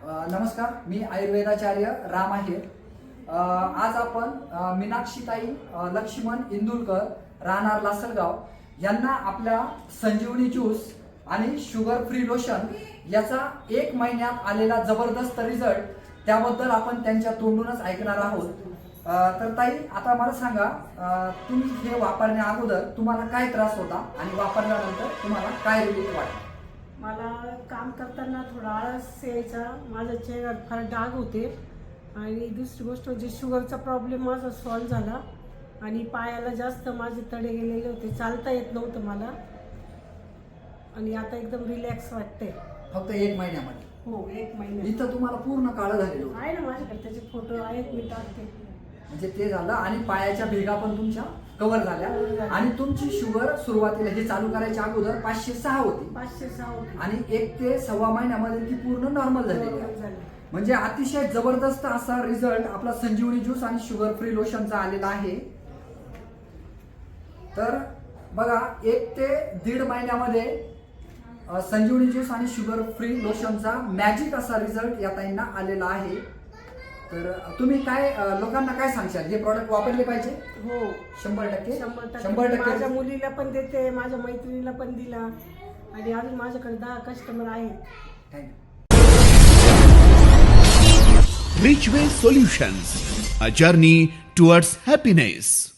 नमस्कार, मी आयुर्वेदाचार्य राम आहे. आज आपण मीनाक्षीताई लक्ष्मण इंदुलकर राहणार लासलगाव यांना आपल्या संजीवनी ज्यूस आणि शुगर फ्री लोशन याचा 1 महिन्यात आलेला जबरदस्त रिझल्ट त्याबद्दल आपण त्यांच्या तोंडूनच ऐकणार आहोत. तर ताई, आता मला सांगा, तुम्ही हे वापरण्या अगोदर तुम्हाला काय त्रास होता आणि वापरल्यानंतर तुम्हाला काय रिलीफ वाटला? मला काम करताना थोडा आळस यायचा, माझ्या चेहऱ्यावर फार डाग होते आणि दुसरी गोष्ट म्हणजे शुगरचा प्रॉब्लेम माझा सॉल्व्ह झाला आणि पायाला जास्त माझे तडे गेलेले होते, चालता येत नव्हतं मला आणि आता एकदम रिलॅक्स वाटते. फक्त 1 महिन्यामध्ये? हो, 1 महिन्यात. इथं तुम्हाला पूर्ण काळं झालेलं होतं? आहे ना माझ्याकडे त्याचे फोटो आहेत, मी टाकते. म्हणजे ते झालं आणि पायाच्या भेगा पण तुमच्या कव्हर झाल्या आणि तुमची शुगर सुरुवातीला हे चालू करायच्या अगोदर 506 होती 506 होती आणि 1 ते सव्वा महिन्यामध्ये ती पूर्ण नॉर्मल झालेली आहे. म्हणजे अतिशय जबरदस्त असा रिझल्ट आपला संजीवनी ज्यूस आणि शुगर फ्री लोशनचा आलेला आहे. तर बघा, 1 ते 1.5 महिन्यामध्ये संजीवनी ज्यूस आणि शुगर फ्री लोशनचा मॅजिक असा रिझल्ट या ताईंना आलेला आहे. तर तुम्ही काय लोकांना काय सांगशाल, हे प्रॉडक्ट वापरले पाहिजे? हो, 100%. 100%. माझ्या मुलीला पण देते, माझ्या मैत्रिणीला पण दिला आणि अजून माझ्याकडे 10 कस्टमर आहेत. Richway Solutions, a journey towards happiness.